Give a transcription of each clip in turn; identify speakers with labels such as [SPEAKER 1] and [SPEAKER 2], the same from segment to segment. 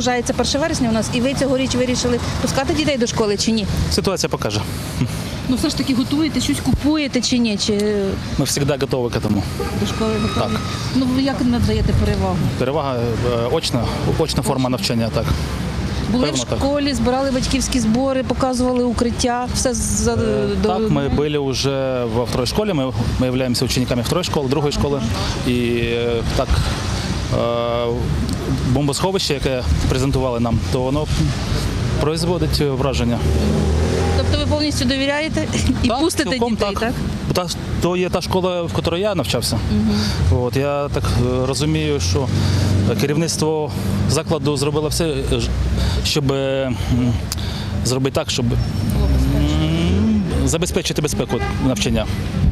[SPEAKER 1] наближається 1 вересня у нас, і ви цьогоріч вирішили пускати дітей до школи чи ні?
[SPEAKER 2] Ситуация покажет.
[SPEAKER 1] Ну все ж таки готуєте, щось купуєте чи ні? Чи
[SPEAKER 2] Мы всегда готовы к этому.
[SPEAKER 1] до школи готові?
[SPEAKER 2] Так.
[SPEAKER 1] Ну ви як надаєте перевагу?
[SPEAKER 2] Перевага очна форма навчання, так.
[SPEAKER 1] Були в
[SPEAKER 2] Певно, так.
[SPEAKER 1] школі, збирали батьківські збори, показували укриття, все
[SPEAKER 2] Так, мы были уже во второй школе, мы являемся учениками второй школы, другой школи. І так, бомбосховище, яке презентували нам, то воно производить враження.
[SPEAKER 1] Тобто ви повністю довіряєте і
[SPEAKER 2] Так,
[SPEAKER 1] пустите
[SPEAKER 2] цілком
[SPEAKER 1] дітей, так?
[SPEAKER 2] То є та школа, в якій я навчався. От, я так розумію, що керівництво закладу зробило все, щоб зробити так, щоб забезпечити безпеку навчання.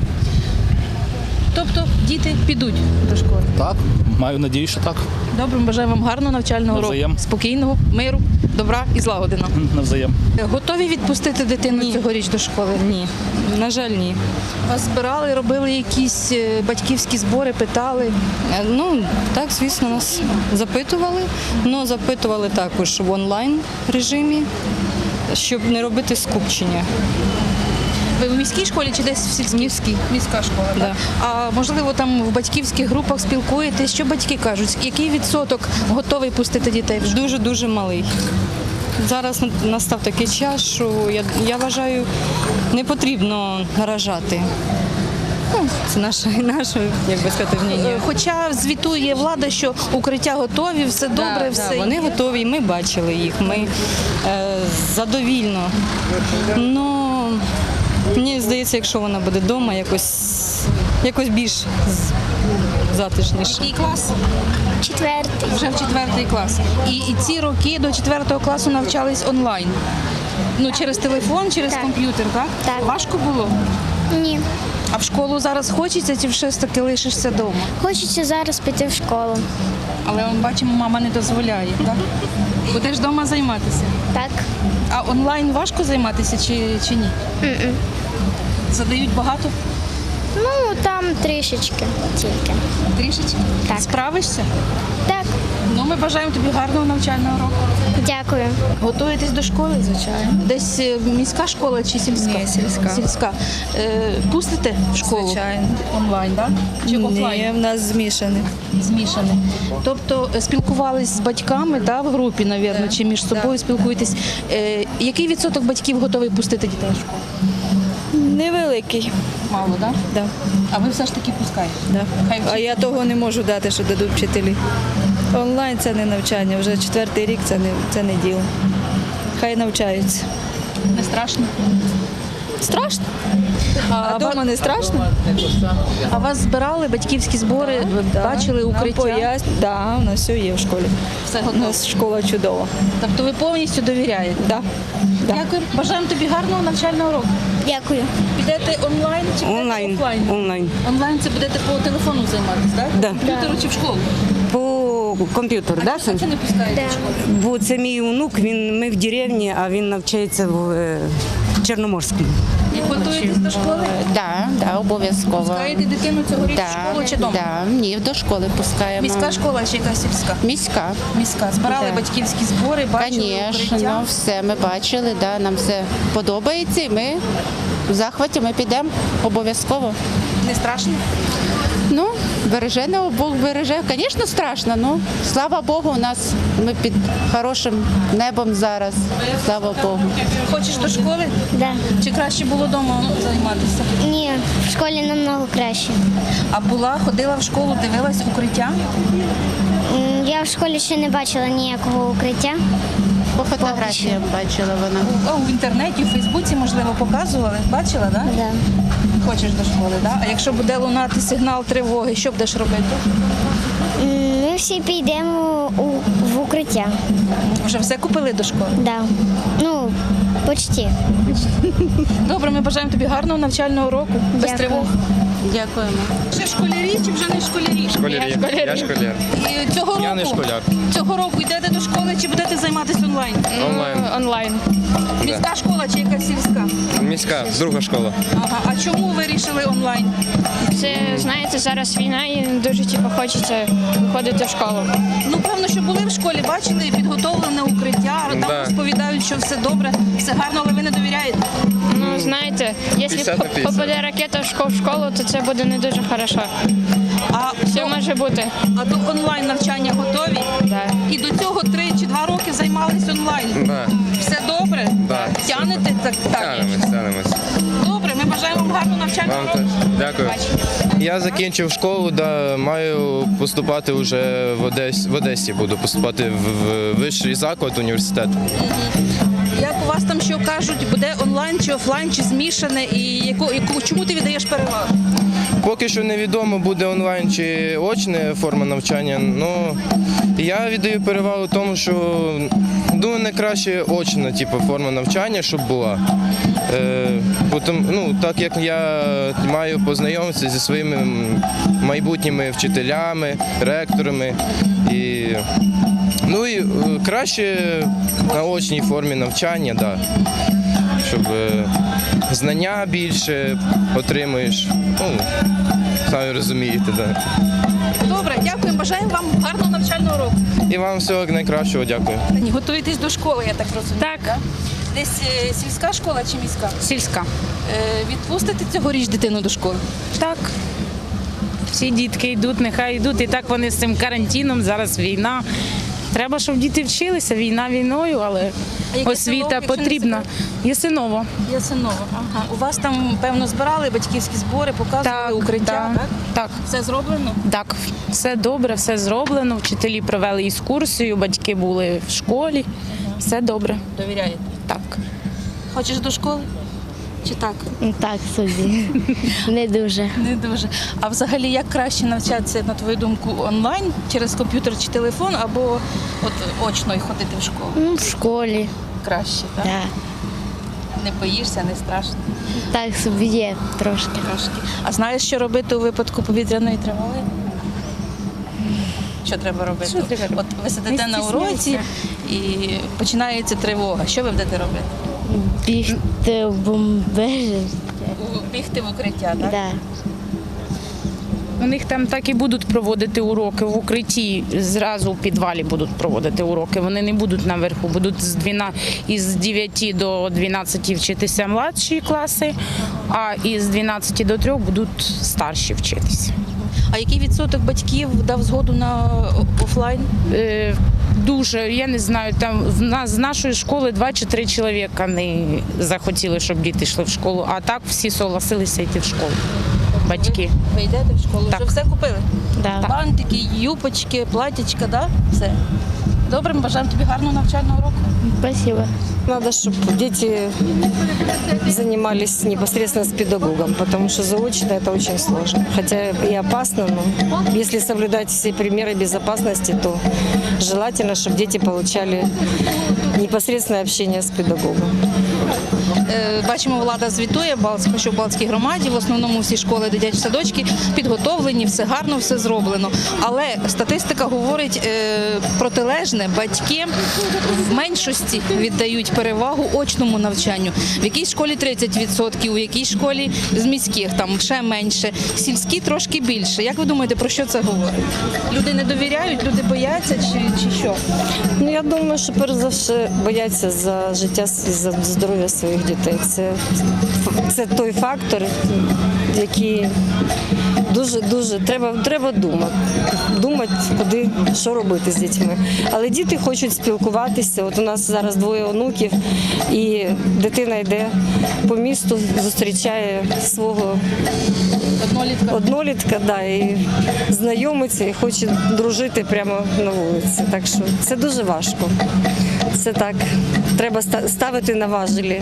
[SPEAKER 1] Тобто діти підуть до школи.
[SPEAKER 2] Так, маю надію, що так.
[SPEAKER 1] Добре, ми бажаємо вам гарного навчального року,
[SPEAKER 2] Навзаєм.
[SPEAKER 1] спокійного, миру, добра і злагоди нам.
[SPEAKER 2] Навзаєм.
[SPEAKER 1] Готові відпустити дитину цьогоріч до школи?
[SPEAKER 3] Ні, на жаль, ні.
[SPEAKER 1] Вас збирали, робили якісь батьківські збори, питали?
[SPEAKER 3] Ну, так, звісно, нас запитували, але запитували також в онлайн режимі, щоб не робити скупчення.
[SPEAKER 1] Ви в міській школі чи десь в сільській?
[SPEAKER 3] Міській.
[SPEAKER 1] Міська школа, так?
[SPEAKER 3] Да.
[SPEAKER 1] А можливо там в батьківських групах спілкуєтесь? Що батьки кажуть? Який відсоток готовий пустити дітей в школу?
[SPEAKER 3] Дуже-дуже малий. Зараз настав такий час, що я вважаю, не потрібно наражати. Ну, це наше, як би сказати, мнення.
[SPEAKER 1] Хоча звітує влада, що укриття готові, все добре, все
[SPEAKER 3] Вони
[SPEAKER 1] є.
[SPEAKER 3] готові, ми бачили їх, ми задовільно. Ну, мені здається, якщо вона буде вдома, якось більш затишніше.
[SPEAKER 1] Який клас?
[SPEAKER 4] 4-й.
[SPEAKER 1] Вже в 4 клас. І ці роки до 4 класу навчались онлайн. Ну, через телефон, через
[SPEAKER 4] Так.
[SPEAKER 1] комп'ютер, так?
[SPEAKER 4] Так.
[SPEAKER 1] Важко було?
[SPEAKER 4] Ні.
[SPEAKER 1] А в школу зараз хочеться, чи все ж таки лишишся вдома?
[SPEAKER 4] Хочеться зараз піти в школу.
[SPEAKER 1] Але ми бачимо, мама не дозволяє, так? Будеш вдома займатися.
[SPEAKER 4] Так.
[SPEAKER 1] А онлайн важко займатися чи ні? Задають багато?
[SPEAKER 4] Ну, там трішечки тільки.
[SPEAKER 1] Трішечки?
[SPEAKER 4] Так.
[SPEAKER 1] Справишся?
[SPEAKER 4] Так.
[SPEAKER 1] Ну, ми бажаємо тобі гарного навчального року.
[SPEAKER 4] Дякую.
[SPEAKER 1] Готуєтесь до школи? Звичайно. Десь міська школа чи сільська?
[SPEAKER 5] Ні, сільська.
[SPEAKER 1] Сільська. Пустите в школу?
[SPEAKER 5] Звичайно.
[SPEAKER 1] Онлайн, так? Чи офлайн?
[SPEAKER 5] Ні, в нас змішані.
[SPEAKER 1] Змішане. Тобто спілкувались з батьками, в групі, мабуть, чи між собою спілкуєтесь. Який відсоток батьків готовий пустити дітей в школу?
[SPEAKER 5] Невеликий.
[SPEAKER 1] Мало, так?
[SPEAKER 5] Да.
[SPEAKER 1] А ви все ж таки пускаєте?
[SPEAKER 5] Да.
[SPEAKER 1] Хай
[SPEAKER 5] А я того не можу дати, що дадуть вчителі. Онлайн це не навчання, вже 4-й рік це не діло. Хай навчаються.
[SPEAKER 1] Не страшно?
[SPEAKER 5] Страшно. А вдома не страшно?
[SPEAKER 1] А вас збирали батьківські збори, бачили укриття?
[SPEAKER 5] Так, у нас все є в школі.
[SPEAKER 1] Все
[SPEAKER 5] У
[SPEAKER 1] готово.
[SPEAKER 5] нас школа чудова.
[SPEAKER 1] Тобто ви повністю довіряєте?
[SPEAKER 5] Да. Да.
[SPEAKER 1] Дякую. Бажаємо тобі гарного навчального року.
[SPEAKER 4] Дякую.
[SPEAKER 1] Підете онлайн чи підете офлайн?
[SPEAKER 6] Онлайн.
[SPEAKER 1] Онлайн це будете по телефону займатися, так?
[SPEAKER 6] Да.
[SPEAKER 1] Комп'ютеру чи в школу?
[SPEAKER 6] По комп'ютеру,
[SPEAKER 1] А
[SPEAKER 6] да,
[SPEAKER 1] чого
[SPEAKER 6] син?
[SPEAKER 1] не пускаєте в школу?
[SPEAKER 6] Бо це мій онук, ми в деревні, а він навчається в Чорноморському.
[SPEAKER 1] І готуєтесь до школи?
[SPEAKER 7] Да, обов'язково.
[SPEAKER 1] Пускаєте дитину цьогоріч в школу чи вдома?
[SPEAKER 7] Ні, до школи пускаємо.
[SPEAKER 1] Міська школа чи яка сільська?
[SPEAKER 7] Міська.
[SPEAKER 1] Міська. Збирали
[SPEAKER 7] Да.
[SPEAKER 1] батьківські збори, бачили
[SPEAKER 7] Звісно,
[SPEAKER 1] укриття?
[SPEAKER 7] все ми бачили, нам все подобається і ми в захваті, ми підемо обов'язково.
[SPEAKER 1] Не страшно?
[SPEAKER 7] Ну, береже нас Бог береже. Звісно, страшно, слава Богу, ми під хорошим небом зараз. Слава Богу.
[SPEAKER 1] Хочеш до школи?
[SPEAKER 4] Да.
[SPEAKER 1] Чи краще було вдома займатися?
[SPEAKER 4] Ні, в школі намного краще.
[SPEAKER 1] А ходила в школу, дивилась укриття?
[SPEAKER 4] Я в школі ще не бачила ніякого укриття.
[SPEAKER 7] По фотографіям бачила вона.
[SPEAKER 1] В інтернеті, у Фейсбуці, можливо, показували. Бачила, так?
[SPEAKER 4] Да.
[SPEAKER 1] Хочеш до школи, так? А якщо буде лунати сигнал тривоги, що будеш робити?
[SPEAKER 4] Ми всі підемо в укриття.
[SPEAKER 1] Вже все купили до школи?
[SPEAKER 4] Да. Ну, почти.
[SPEAKER 1] Добре, ми бажаємо тобі гарного навчального року, без
[SPEAKER 4] Дякую.
[SPEAKER 1] тривог.
[SPEAKER 7] Дякуємо.
[SPEAKER 1] Ще школярі чи вже не школярі?
[SPEAKER 8] Я школяр.
[SPEAKER 1] І цього року,
[SPEAKER 8] Я не школяр.
[SPEAKER 1] Цього року йдете до школи чи будете займатися онлайн?
[SPEAKER 8] Онлайн.
[SPEAKER 1] Онлайн. Міська школа чи якась сільська?
[SPEAKER 8] Міська, друга школа.
[SPEAKER 1] Ага. А чому ви вирішили онлайн?
[SPEAKER 9] Це, знаєте, зараз війна і не дуже хочеться виходити в школу.
[SPEAKER 1] Ну, певно, що були в школі, бачили підготовлене укриття, там
[SPEAKER 8] Да.
[SPEAKER 1] розповідають, що все добре, все гарно, але ви не довіряєте.
[SPEAKER 9] Ну, знаєте, якщо
[SPEAKER 8] 50 на 50.
[SPEAKER 9] попаде ракета в школу, то це буде не дуже хорошо.
[SPEAKER 1] А
[SPEAKER 9] Все може бути.
[SPEAKER 1] до онлайн навчання готові?
[SPEAKER 9] Да.
[SPEAKER 1] І до цього 3 чи 2 роки займались онлайн.
[SPEAKER 8] Да.
[SPEAKER 1] Все добре?
[SPEAKER 8] Да.
[SPEAKER 1] Тянете так?
[SPEAKER 8] Тянемось.
[SPEAKER 1] Добре, ми бажаємо вам гарного навчання.
[SPEAKER 8] Вам теж. Дякую. Я закінчив школу, маю поступати вже в Одесі, буду поступати в вищий заклад, університет.
[SPEAKER 1] Як у вас там що кажуть, буде онлайн чи офлайн, чи змішане, і чому ти віддаєш перевагу?
[SPEAKER 8] Поки що невідомо, буде онлайн чи очна форма навчання. Ну, я віддаю перевагу тому, що думаю, найкраще очна форма навчання, щоб була. Так як я маю познайомитися зі своїми майбутніми вчителями, ректорами. І краще на очній формі навчання, да, щоб знання більше отримуєш. Самі розумієте, да.
[SPEAKER 1] Добре, дякуємо, бажаємо вам гарного навчального року.
[SPEAKER 8] І вам всього найкращого, дякую.
[SPEAKER 1] Готуєтесь до школи, я так розумію.
[SPEAKER 7] Так.
[SPEAKER 1] Да? Десь сільська школа чи міська?
[SPEAKER 7] Сільська.
[SPEAKER 1] Відпустите цьогоріч дитину до школи?
[SPEAKER 10] Так. Всі дітки йдуть, нехай йдуть. І так вони з цим карантином, зараз війна. Треба, щоб діти вчилися, війна війною, але
[SPEAKER 1] яке
[SPEAKER 10] освіта
[SPEAKER 1] село, якщо не
[SPEAKER 10] потрібна. Ясиново.
[SPEAKER 1] Ясиново. Ага. У вас там, певно, збирали батьківські збори, показували укриття, так?
[SPEAKER 10] Так.
[SPEAKER 1] Все зроблено?
[SPEAKER 10] Так, все добре, все зроблено. Вчителі провели екскурсію, батьки були в школі. Все добре.
[SPEAKER 1] Довіряєте?
[SPEAKER 10] Так.
[SPEAKER 1] Хочеш до школи? Чи так?
[SPEAKER 4] Так собі. Не дуже.
[SPEAKER 1] Не дуже. А взагалі, як краще навчатися, на твою думку, онлайн, через комп'ютер чи телефон, або очно й ходити в школу?
[SPEAKER 4] В школі.
[SPEAKER 1] Краще, так?
[SPEAKER 4] Да.
[SPEAKER 1] Не боїшся, не страшно?
[SPEAKER 4] Так собі є трошки.
[SPEAKER 1] Трошки. А знаєш, що робити у випадку повітряної тривоги? Що треба робити? От ви сидите на уроці і починається тривога. Що ви будете робити?
[SPEAKER 4] Бігти в бомбежі.
[SPEAKER 1] Бігти в укриття, так?
[SPEAKER 4] Да.
[SPEAKER 10] У них там так і будуть проводити уроки в укритті, зразу у підвалі будуть проводити уроки. Вони не будуть наверху, будуть із 9 до 12 вчитися младші класи, а із 12 до 3 будуть старші вчитися.
[SPEAKER 1] А який відсоток батьків дав згоду на офлайн?
[SPEAKER 10] Дуже, я не знаю, там з нашої школи 2 чи 3 чоловіка не захотіли, щоб діти йшли в школу, а так всі согласилися йти в школу. Батьки.
[SPEAKER 1] Ви йдете в школу?
[SPEAKER 10] Так.
[SPEAKER 1] Вже все купили?
[SPEAKER 4] Да.
[SPEAKER 1] Бантики, юпочки, платічка, да? Все. Добре, ми бажаємо тобі гарного навчального року.
[SPEAKER 4] Спасибо.
[SPEAKER 6] Надо, чтобы дети занимались непосредственно с педагогом, потому что заочно это очень сложно. Хотя и опасно, но если соблюдать все примеры безопасности, то желательно, чтобы дети получали непосредственное общение с педагогом.
[SPEAKER 1] Бачимо, влада звітує, що в Балтській громаді, в основному всі школи, дитячі садочки підготовлені, все гарно, все зроблено. Але статистика говорить протилежне. Батьки в меншості віддають перевагу очному навчанню. В якійсь школі 30%, у якійсь школі з міських там ще менше, сільські трошки більше. Як ви думаєте, про що це говорить? Люди не довіряють, люди бояться чи що?
[SPEAKER 6] Ну, я думаю, що перш за все бояться за життя і за здоров'я своїх дітей. Це той фактор, який дуже треба думати, куди, що робити з дітьми. Але діти хочуть спілкуватися. От у нас зараз 2 онуків, і дитина йде по місту, зустрічає свого однолітка, да, і знайомиться, і хоче дружити прямо на вулиці. Так що це дуже важко. Це так, треба ставити на важелі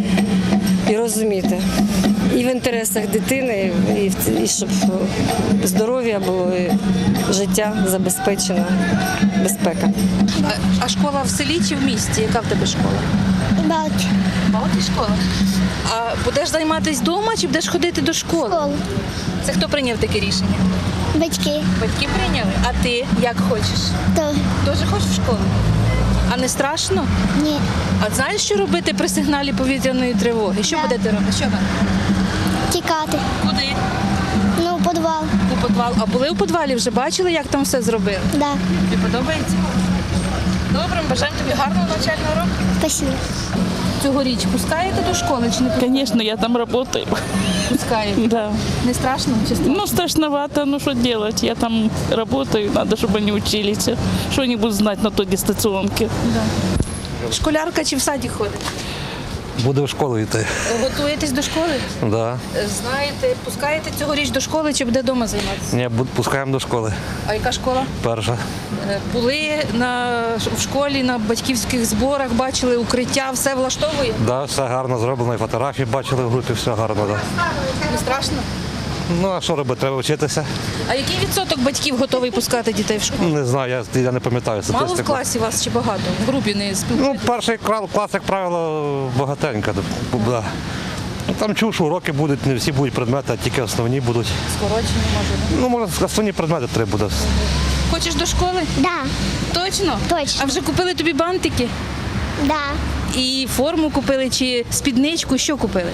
[SPEAKER 6] і розуміти. І в інтересах дитини, і щоб здоров'я було, і життя забезпечено, безпека.
[SPEAKER 1] А школа в селі чи в місті? Яка в тебе школа?
[SPEAKER 4] Балки.
[SPEAKER 1] Балки школа. А будеш займатися вдома чи будеш ходити до школи?
[SPEAKER 4] Школу.
[SPEAKER 1] Це хто прийняв таке рішення?
[SPEAKER 4] Батьки.
[SPEAKER 1] Батьки прийняли? А ти як хочеш?
[SPEAKER 4] То
[SPEAKER 1] Дуже хочеш в школу? А не страшно?
[SPEAKER 4] ні.
[SPEAKER 1] А знаєш, що робити при сигналі повітряної тривоги? Що будете робити? Що ви?
[SPEAKER 4] Тікати.
[SPEAKER 1] Куди?
[SPEAKER 4] Ну, в підвал.
[SPEAKER 1] У підвал. А були у підвалі? Вже бачили, як там все зробили?
[SPEAKER 4] Да.
[SPEAKER 1] Тобі подобається? Добре, бажаємо тобі гарного навчального року.
[SPEAKER 4] Спасибо.
[SPEAKER 1] Цьогоріч пускаєте до школи чи не пускаєте?
[SPEAKER 11] Конечно, я там работаю.
[SPEAKER 1] Пускаєте?
[SPEAKER 11] Да.
[SPEAKER 1] Не страшно? Чи страшно?
[SPEAKER 11] Ну, страшновато, ну что делать? Я там работаю, надо, чтобы они учились. Что они будут знать на той дистанционке?
[SPEAKER 1] Школярка чи в саді ходить?
[SPEAKER 12] Буде в школу йти.
[SPEAKER 1] Готуєтесь до школи?
[SPEAKER 12] Да.
[SPEAKER 1] Знаєте, пускаєте цьогоріч до школи чи буде вдома займатися?
[SPEAKER 12] Ні, пускаємо до школи.
[SPEAKER 1] А яка школа?
[SPEAKER 12] Перша.
[SPEAKER 1] Були в школі на батьківських зборах, бачили укриття, все влаштовує?
[SPEAKER 12] Да, все гарно зроблено, і фотографії бачили в групі, все гарно. Да.
[SPEAKER 1] Не страшно?
[SPEAKER 12] Ну, а що робити? Треба вчитися.
[SPEAKER 1] А який відсоток батьків готовий пускати дітей в школу?
[SPEAKER 12] Не знаю, я не пам'ятаю
[SPEAKER 1] Мало в
[SPEAKER 12] статистику.
[SPEAKER 1] класі вас чи багато? В групі не
[SPEAKER 12] Ну,
[SPEAKER 1] спілкуєтесь?
[SPEAKER 12] перший клас, як правило, багатенько. Да. Там чув, що уроки будуть, не всі будуть предмети, а тільки основні будуть.
[SPEAKER 1] Скорочені, може.
[SPEAKER 12] Ну, може, основні предмети 3 буде.
[SPEAKER 1] Хочеш до школи?
[SPEAKER 4] Да.
[SPEAKER 1] Точно?
[SPEAKER 4] Точно.
[SPEAKER 1] А вже купили тобі бантики?
[SPEAKER 4] Да.
[SPEAKER 1] І форму купили, чи спідничку? Що купили?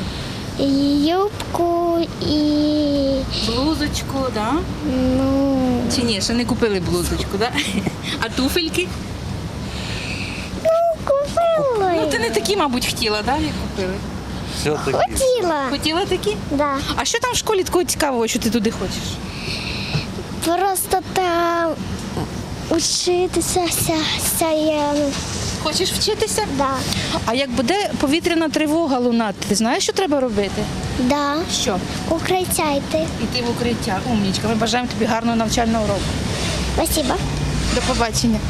[SPEAKER 4] Юбку і
[SPEAKER 1] Блузочку, да?
[SPEAKER 4] ну,
[SPEAKER 1] Чи ні, ще не купили блузочку, да? А туфельки?
[SPEAKER 4] купила.
[SPEAKER 1] Ну ти не такі, мабуть, хотіла, да, як купили?
[SPEAKER 12] Все таки.
[SPEAKER 4] Хотіла.
[SPEAKER 1] Хотіла такі?
[SPEAKER 4] Да.
[SPEAKER 1] А що там в школі такого цікавого, що ти туди хочеш?
[SPEAKER 4] Просто там учитися
[SPEAKER 1] Хочеш вчитися?
[SPEAKER 4] Да.
[SPEAKER 1] А як буде повітряна тривога лунати, ти знаєш, що треба робити?
[SPEAKER 4] Да.
[SPEAKER 1] Що?
[SPEAKER 4] Укриття йти.
[SPEAKER 1] Іти в укриття. Умнічка, ми бажаємо тобі гарного навчального року.
[SPEAKER 4] Спасибо.
[SPEAKER 1] До побачення.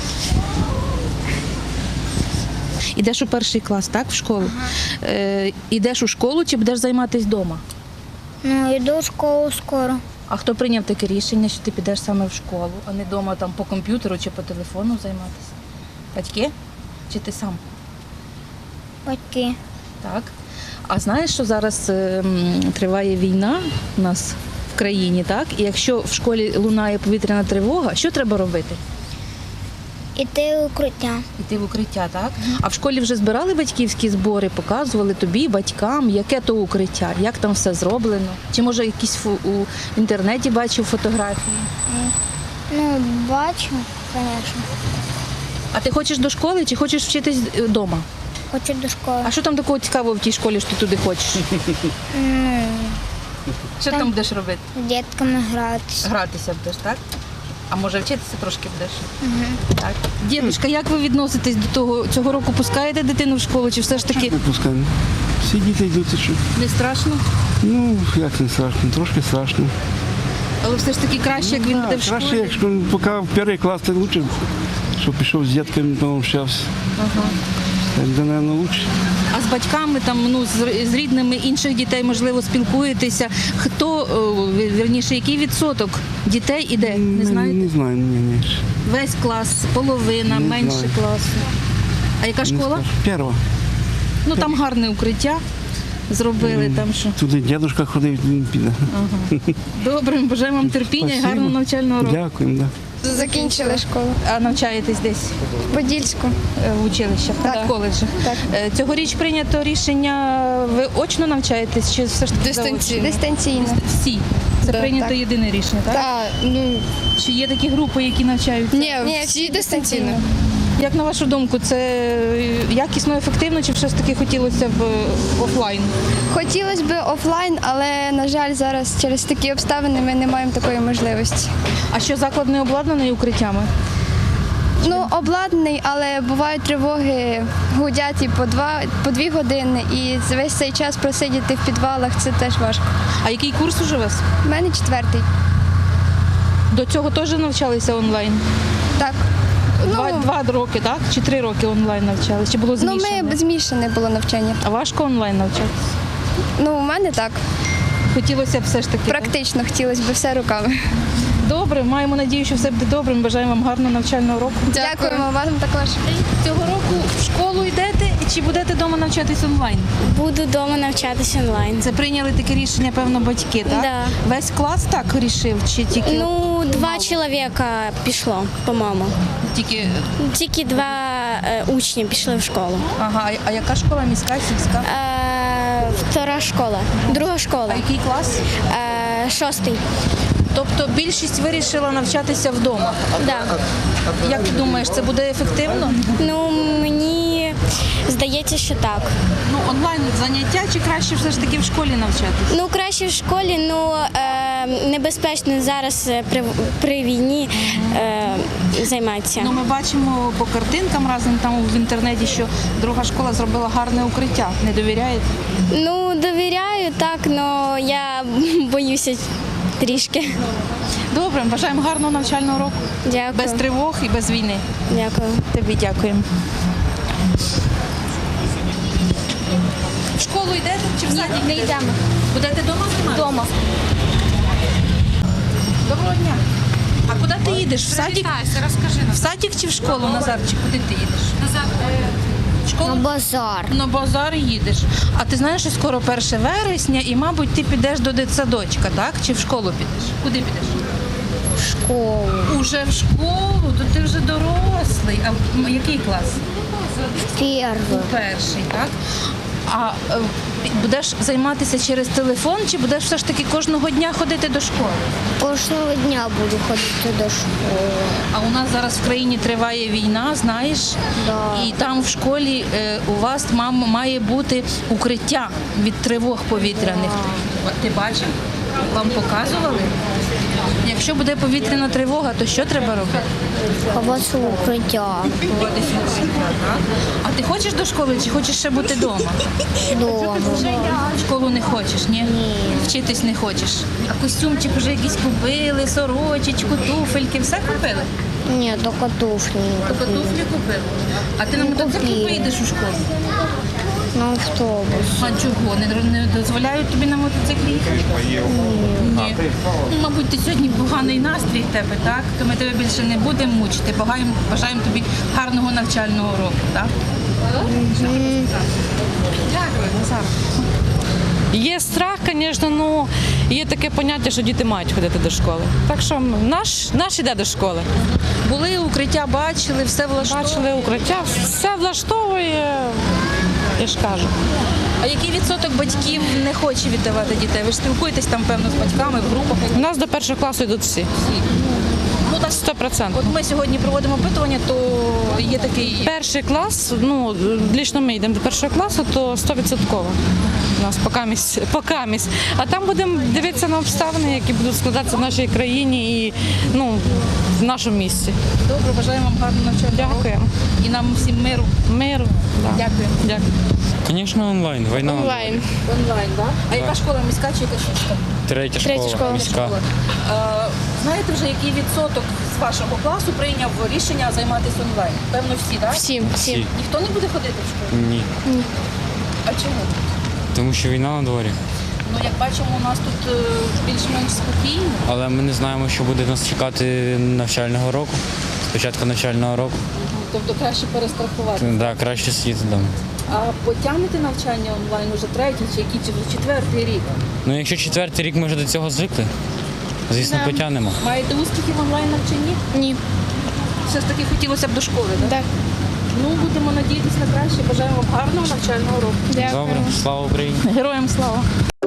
[SPEAKER 1] Ідеш у перший клас, так, в школу? Ідеш у школу чи будеш займатися вдома?
[SPEAKER 4] Ну, йду в школу скоро.
[SPEAKER 1] А хто прийняв таке рішення, що ти підеш саме в школу, а не вдома там по комп'ютеру чи по телефону займатися? Батьки? Чи ти сам?
[SPEAKER 4] Батьки.
[SPEAKER 1] Так. А знаєш, що зараз триває війна у нас в країні, так? І якщо в школі лунає повітряна тривога, що треба робити?
[SPEAKER 4] Іти в укриття.
[SPEAKER 1] Іти в укриття, так? А в школі вже збирали батьківські збори, показували тобі, батькам, яке то укриття, як там все зроблено? Чи може якісь у інтернеті бачив фотографії?
[SPEAKER 4] Ну, бачу, звісно.
[SPEAKER 1] А ти хочеш до школи чи хочеш вчитись вдома?
[SPEAKER 4] Хочу до школи.
[SPEAKER 1] А що там такого цікавого в тій школі, що ти туди хочеш?
[SPEAKER 4] Ну,
[SPEAKER 1] Що там будеш робити?
[SPEAKER 4] з дітками гратися.
[SPEAKER 1] Гратися будеш, так? А може вчитися трошки будеш? Так. Дідушка, як ви відноситесь до того? Цього року пускаєте дитину в школу чи все ж таки
[SPEAKER 13] Не пускаємо. Всі діти йдуть, і що?
[SPEAKER 1] не страшно?
[SPEAKER 13] Ну, як не страшно, трошки страшно.
[SPEAKER 1] Але все ж таки краще, як він буде в
[SPEAKER 13] Краще,
[SPEAKER 1] школі.
[SPEAKER 13] якщо поки в перший клас, то краще, щоб пішов з дітками, пообщався. Так, мабуть, краще.
[SPEAKER 1] А з батьками, там, ну, з рідними інших дітей, можливо, спілкуєтеся. Хто, вірніше, який відсоток дітей іде? Не знаєте?
[SPEAKER 13] Не знаю, ні.
[SPEAKER 1] Весь клас, половина,
[SPEAKER 13] Не
[SPEAKER 1] менше
[SPEAKER 13] знаю.
[SPEAKER 1] класу. А яка школа?
[SPEAKER 13] Перша.
[SPEAKER 1] Ну там гарне укриття зробили. Там що.
[SPEAKER 13] Туди дідусь ходив, він піде.
[SPEAKER 1] Добре, бажаємо вам терпіння і гарного навчального року.
[SPEAKER 13] Дякуємо, да.
[SPEAKER 3] Закінчили школу.
[SPEAKER 1] А навчаєтесь десь
[SPEAKER 3] В Подільську.
[SPEAKER 1] в училищах, так, в коледжах?
[SPEAKER 3] Так.
[SPEAKER 1] Цьогоріч прийнято рішення, ви очно навчаєтесь чи все ж таки заочно?
[SPEAKER 3] Дистанційно.
[SPEAKER 1] Всі. Це
[SPEAKER 3] Да,
[SPEAKER 1] прийнято
[SPEAKER 3] так.
[SPEAKER 1] єдине рішення, так?
[SPEAKER 3] Так, ну,
[SPEAKER 1] Чи є такі групи, які навчаються?
[SPEAKER 3] ні, всі дистанційно.
[SPEAKER 1] Як на вашу думку, це якісно, ефективно, чи все ж таки хотілося б офлайн?
[SPEAKER 3] Хотілося б офлайн, але, на жаль, зараз через такі обставини ми не маємо такої можливості.
[SPEAKER 1] А що заклад не обладнаний укриттями?
[SPEAKER 3] Ну, обладнаний, але бувають тривоги, гудять і по 2 години, і весь цей час просидіти в підвалах – це теж важко.
[SPEAKER 1] А який курс уже у вас?
[SPEAKER 3] У мене 4-й.
[SPEAKER 1] До цього теж навчалися онлайн?
[SPEAKER 3] Так.
[SPEAKER 1] Два роки, так? Чи 3 роки онлайн навчалися? Чи було
[SPEAKER 3] Ну,
[SPEAKER 1] змішане?
[SPEAKER 3] ми змішане було навчання.
[SPEAKER 1] А важко онлайн навчатися?
[SPEAKER 3] Ну, у мене так.
[SPEAKER 1] Хотілося б все ж таки. так?
[SPEAKER 3] Практично хотілося б все руками.
[SPEAKER 1] Добре, маємо надію, що все буде добре. Ми бажаємо вам гарного навчального року.
[SPEAKER 3] Дякуємо вам також.
[SPEAKER 1] Цього року в школу йдете Чи будете вдома навчатись онлайн?
[SPEAKER 4] Буду вдома навчатися онлайн.
[SPEAKER 1] Це прийняли таке рішення, певно, батьки, так?
[SPEAKER 4] Да.
[SPEAKER 1] Весь клас так рішив, чи тільки
[SPEAKER 4] Ну, 2 чоловіка пішло, по-моєму.
[SPEAKER 1] тільки.
[SPEAKER 4] Тільки 2 учні пішли в школу.
[SPEAKER 1] Ага, а яка школа? Міська, сільська?
[SPEAKER 4] Втора школа, друга школа,
[SPEAKER 1] А який клас?
[SPEAKER 4] 6-й.
[SPEAKER 1] Тобто більшість вирішила навчатися вдома.
[SPEAKER 4] Да.
[SPEAKER 1] Як ти думаєш, це буде ефективно?
[SPEAKER 4] Ну, мені здається, що так.
[SPEAKER 1] Ну, онлайн заняття чи краще все ж таки в школі навчатися?
[SPEAKER 4] Ну, краще в школі, ну небезпечно зараз при війні займатися.
[SPEAKER 1] Ну, ми бачимо по картинкам разом там в інтернеті, що друга школа зробила гарне укриття. Не довіряєте?
[SPEAKER 4] Ну, довіряю так, але я боюся трішки.
[SPEAKER 1] Добре, бажаємо гарного навчального року.
[SPEAKER 4] Дякую.
[SPEAKER 1] Без тривог і без війни.
[SPEAKER 4] Дякую.
[SPEAKER 1] Тобі дякуємо. В школу йдете чи в садик?
[SPEAKER 4] Не йдемо.
[SPEAKER 1] Будете вдома займатися?
[SPEAKER 4] Дома.
[SPEAKER 1] Доброго дня. А куди ти їдеш? В садик?
[SPEAKER 10] Розкажи
[SPEAKER 1] В садик чи в школу, Назарчик? Куди ти їдеш?
[SPEAKER 10] назад.
[SPEAKER 1] В школу?
[SPEAKER 4] Базар.
[SPEAKER 1] На базар їдеш. А ти знаєш, що скоро 1 вересня і, мабуть, ти підеш до дитсадочка, так? Чи в школу підеш? Куди підеш?
[SPEAKER 4] В школу.
[SPEAKER 1] Уже в школу? То ти вже дорослий. А який клас?
[SPEAKER 4] Перший.
[SPEAKER 1] Перший, так? А будеш займатися через телефон, чи будеш все ж таки кожного дня ходити до школи?
[SPEAKER 4] Кожного дня буду ходити до школи.
[SPEAKER 1] А у нас зараз в країні триває війна, знаєш?
[SPEAKER 4] Да.
[SPEAKER 1] І там в школі у вас має бути укриття від тривог повітряних. Ти бачив? Вам показували? Якщо буде повітряна тривога, то що треба робити?
[SPEAKER 4] Ховатися в укриття.
[SPEAKER 1] Ховатися в укриття, так? А ти хочеш до школи чи хочеш ще бути вдома?
[SPEAKER 4] Дома.
[SPEAKER 1] В школу не хочеш, ні?
[SPEAKER 4] Ні.
[SPEAKER 1] Вчитись не хочеш. А костюмчик вже якийсь купили, сорочечку, туфельки, все купили?
[SPEAKER 4] Ні, тільки туфлі.
[SPEAKER 1] Тобто туфлі купили. А ти на мотоциклі
[SPEAKER 4] купила.
[SPEAKER 1] поїдеш у школу?
[SPEAKER 4] На автобус.
[SPEAKER 1] А чого? Не дозволяють тобі на мотоциклі їхати? Ні. Ну, мабуть, ти сьогодні поганий настрій в тебе, так? То ми тебе більше не будемо мучити. Бажаємо тобі гарного навчального року, так? Дякую, Назар.
[SPEAKER 3] Є страх, звісно, але є таке поняття, що діти мають ходити до школи. Так що наш іде до школи.
[SPEAKER 1] Були укриття, бачили, все влаштовує.
[SPEAKER 3] Бачили укриття, все влаштовує, я ж кажу.
[SPEAKER 1] А який відсоток батьків не хоче віддавати дітей? Ви ж спілкуєтесь там, певно, з батьками в групах?
[SPEAKER 3] У нас до 1 класу йдуть всі.
[SPEAKER 1] Ну, так,
[SPEAKER 3] 100%.
[SPEAKER 1] От ми сьогодні проводимо опитування, то є такий...
[SPEAKER 3] Перший клас, ну, лічно ми йдемо до 1 класу, то 100%. У нас покамість. А там будемо дивитися на обставини, які будуть складатися в нашій країні і в нашому місті.
[SPEAKER 1] Добре, бажаємо вам гарного навчання.
[SPEAKER 3] Дякуємо.
[SPEAKER 1] І нам всім миру.
[SPEAKER 3] Миру. Да.
[SPEAKER 1] Дякую.
[SPEAKER 3] Дякую.
[SPEAKER 14] Звісно, онлайн. Війна.
[SPEAKER 3] Онлайн.
[SPEAKER 1] Онлайн, так? А яка школа, міська чи яка школа?
[SPEAKER 14] Третя школа. Міська.
[SPEAKER 1] Знаєте вже, який відсоток з вашого класу прийняв рішення займатися онлайн? Певно, всі, так?
[SPEAKER 14] Всі.
[SPEAKER 1] Ніхто не буде ходити в школу?
[SPEAKER 14] Ні.
[SPEAKER 1] А чому?
[SPEAKER 14] Тому що війна на дворі.
[SPEAKER 1] Ну, як бачимо, у нас тут більш-менш спокійно.
[SPEAKER 14] Але ми не знаємо, що буде нас чекати навчального року. Спочатку навчального року.
[SPEAKER 1] Тобто краще перестрахувати.
[SPEAKER 14] Так, краще сидіти вдома.
[SPEAKER 1] А потягнете навчання онлайн уже третій чи який, чи вже 4-й рік?
[SPEAKER 14] Ну, якщо 4-й рік ми вже до цього звикли, звісно, потягнемо.
[SPEAKER 1] Маєте успіхи в онлайн навчанні?
[SPEAKER 4] Ні.
[SPEAKER 1] Все ж таки хотілося б до школи, так?
[SPEAKER 4] Так.
[SPEAKER 1] Ну, будемо надіятися на краще. Бажаємо вам гарного навчального року.
[SPEAKER 14] Добре, слава Україні!
[SPEAKER 1] Героям слава!